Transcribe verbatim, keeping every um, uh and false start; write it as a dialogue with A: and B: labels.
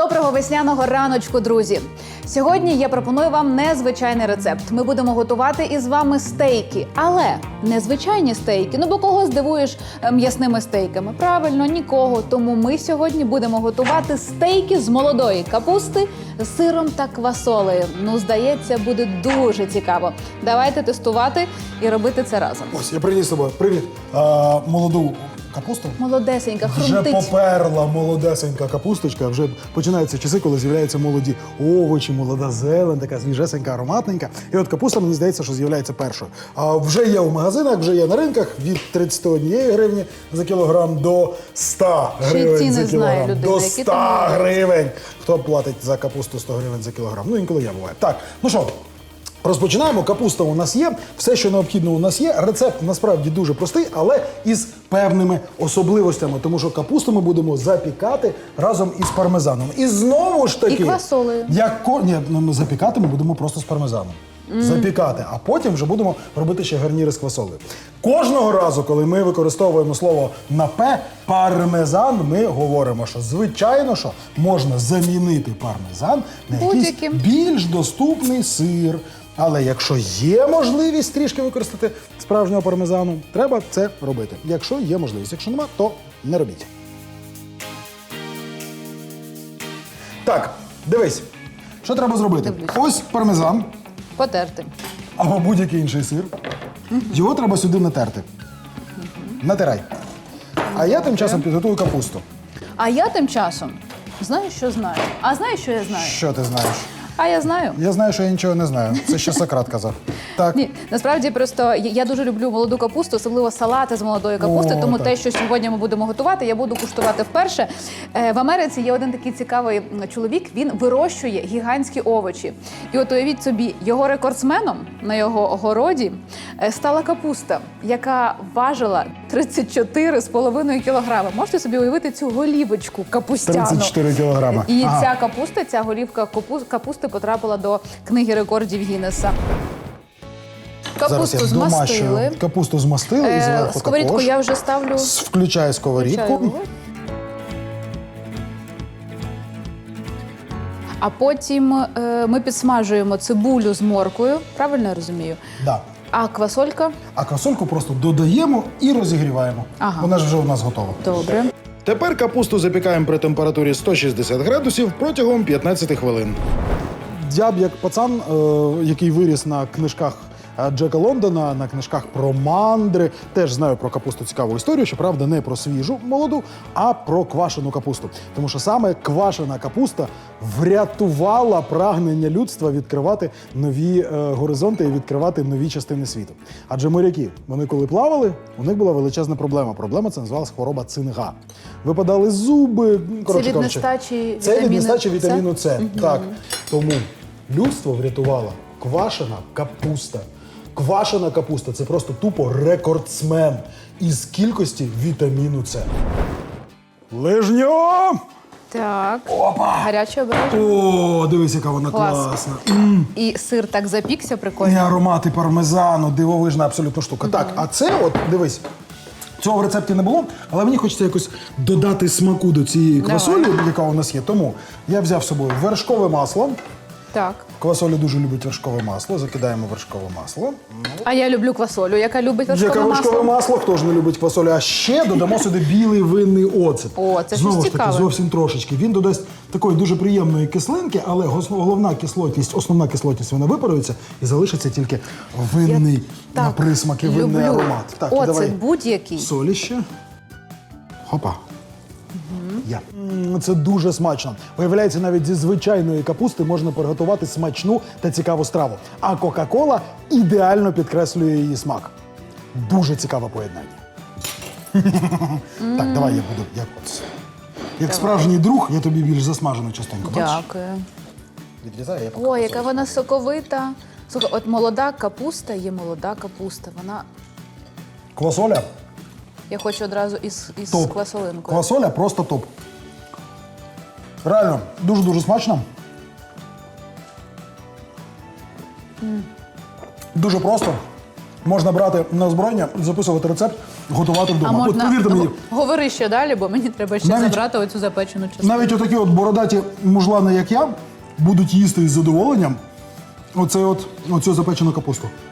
A: Доброго весняного раночку, друзі! Сьогодні я пропоную вам незвичайний рецепт. Ми будемо готувати із вами стейки, але не звичайні стейки. Ну бо кого здивуєш м'ясними стейками? Правильно, нікого. Тому ми сьогодні будемо готувати стейки з молодої капусти з сиром та квасолею. Ну, здається, буде дуже цікаво. Давайте тестувати і робити це разом.
B: Ось, я приніс з собою. Привіт. А, молоду капусту.
A: Молодесенька,
B: Вже
A: хрумтить.
B: поперла молодесенька капусточка. Вже починаються часи, коли з'являються молоді овочі, молода зелень, така свіжесенька, ароматненька. І от капуста, мені здається, що з'являється першою. А вже є в магазинах, вже є на ринках від тридцяти однієї гривні за кілограм до ста гривень
A: ціни
B: за
A: знає
B: кілограм.
A: людина,
B: До
A: які
B: ста
A: там
B: гривень. Хто платить за капусту сто гривень за кілограм? Ну, інколи я буває. Так, ну що? Розпочинаємо. Капуста у нас є, все, що необхідно у нас є. Рецепт насправді дуже простий, але із певними особливостями, тому що капусту ми будемо запікати разом із пармезаном. І знову ж таки...
A: І квасолею.
B: Як ко... Ні, ну, запікати ми будемо просто з пармезаном. Mm. Запікати, а потім вже будемо робити ще гарніри з квасолею. Кожного разу, коли ми використовуємо слово на «п», пармезан, ми говоримо, що звичайно, що можна замінити пармезан на якийсь
A: Будь-яким.
B: більш доступний сир. Але якщо є можливість трішки використати справжнього пармезану, треба це робити. Якщо є можливість. Якщо нема, то не робіть. Так, дивись. Що треба зробити?
A: Дивлюсь.
B: Ось пармезан
A: Потерти.
B: або будь-який інший сир. Його треба сюди натерти. Натирай. А я тим часом підготую капусту.
A: А я тим часом знаю, що знаю. А знаєш, що я знаю?
B: Що ти знаєш?
A: А я знаю.
B: Я знаю, що я нічого не знаю. Це ще Сократ казав. Так.
A: Ні, насправді просто я, я дуже люблю молоду капусту, особливо салати з молодої капусти,
B: О,
A: тому
B: так.
A: те, що сьогодні ми будемо готувати, я буду куштувати вперше. Е, в Америці є один такий цікавий чоловік, він вирощує гігантські овочі. І от уявіть собі, його рекордсменом на його городі е, стала капуста, яка важила тридцять чотири з половиною кілограми. Можете собі уявити цю голівочку капустяну?
B: тридцять чотири кілограма.
A: І
B: Ага.
A: ця капуста, ця голівка капу- капусти потрапила до книги рекордів Гіннеса. Капусту
B: Зараз я домашню
A: змастили.
B: капусту змастили і
A: Е,
B: зверху
A: Сковорідку
B: також.
A: я вже ставлю.
B: С- Включаю сковорідку.
A: Включаю. А потім е, ми підсмажуємо цибулю з морквою. Правильно я розумію?
B: Да.
A: А квасолька?
B: А квасольку просто додаємо і розігріваємо.
A: Ага.
B: Вона ж вже у нас готова.
A: Добре.
B: Тепер капусту запікаємо при температурі сто шістдесят градусів протягом п'ятнадцяти хвилин. Я б як пацан, е, який виріс на книжках е, Джека Лондона, на книжках про мандри, теж знаю про капусту цікаву історію, щоправда, не про свіжу молоду, а про квашену капусту. Тому що саме квашена капуста врятувала прагнення людства відкривати нові е, горизонти і відкривати нові частини світу. Адже моряки, вони коли плавали, у них була величезна проблема. Проблема це називалась хвороба цинга. Випадали зуби, коротше
A: від
B: кажучи,
A: нестачі
B: це від
A: вітаміну
B: нестачі
A: С?
B: вітаміну С. Так. Тому людство врятувала квашена капуста. Квашена капуста – це просто тупо рекордсмен із кількості вітаміну С. Лижньо!
A: Так.
B: Опа!
A: Гаряче обережно.
B: О, дивись, яка вона
A: Клас.
B: класна. М.
A: І сир так запікся,
B: І
A: прикольно.
B: аромати пармезану, дивовижна абсолютно штука. Так, а це от, дивись, цього в рецепті не було, але мені хочеться якось додати смаку до цієї
A: Давай.
B: квасолі, яка у нас є. Тому я взяв з собою вершкове масло.
A: Так.
B: Квасоля дуже любить вершкове масло. Закидаємо вершкове масло.
A: А я люблю квасолю, яка любить вершкове
B: Яке вершкове
A: масло.
B: масло? Хто ж не любить квасолю? А ще додамо сюди білий винний оцет.
A: О, це щось
B: Знову ж таки,
A: цікаве.
B: зовсім трошечки. Він додасть такої дуже приємної кислинки, але гос- головна кислотність, основна кислотність, вона випарується і залишиться тільки винний
A: так
B: на присмаки, винний
A: люблю.
B: аромат. Так, і
A: Оцет
B: давай
A: будь-який.
B: солі ще. Хопа. Я. М, Це дуже смачно. Виявляється, навіть зі звичайної капусти можна приготувати смачну та цікаву страву. А Кока-Кола ідеально підкреслює її смак. Дуже цікаве поєднання. Так, давай я буду як от. Як справжній друг, я тобі більш засмажену частинку. Бачиш?
A: Дякую.
B: Відрізаю, я поки
A: Ой, яка
B: кусочок.
A: вона соковита. Слухай, от молода капуста є молода капуста. Вона,
B: Квасоля
A: я хочу одразу із, із
B: топ.
A: квасолинкою.
B: Квасоля просто топ. Реально, дуже-дуже смачно. Дуже просто. Можна брати на озброєння, записувати рецепт готувати вдома.
A: А
B: От
A: можна
B: повірте мені,
A: Г- говори ще далі, бо мені треба ще
B: Навіть-
A: забрати оцю запечену частину.
B: навіть отакі от бородаті мужлани, як я, будуть їсти із задоволенням оце от, оцю запечену капусту.